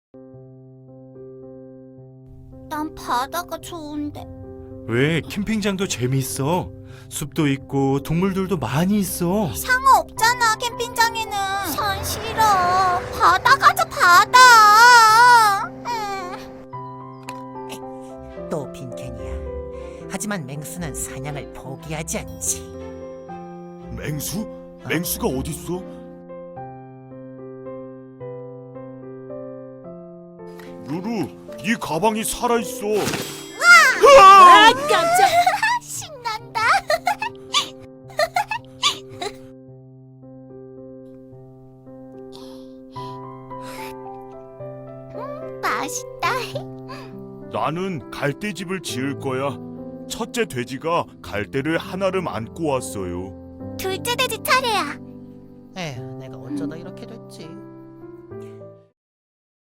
난 바다가 좋은데. 왜? 캠핑장도 재미있어. 숲도 있고 동물들도 많이 있어. 상어 없잖아, 캠핑장에는. 산 싫어. 바다 가자, 바다. 또 빈캔이야. 하지만 맹수는 사냥을 포기하지 않지. 맹수? 맹수가 어딨어? 루루, 네 가방이 살아있어. 아, 깜짝! 신난다. 맛있다. 나는 갈대집을 지을 거야. 첫째 돼지가 갈대를 하나를 안고 왔어요. 둘째 돼지 차례야. 에휴, 내가 어쩌다 이렇게 됐지.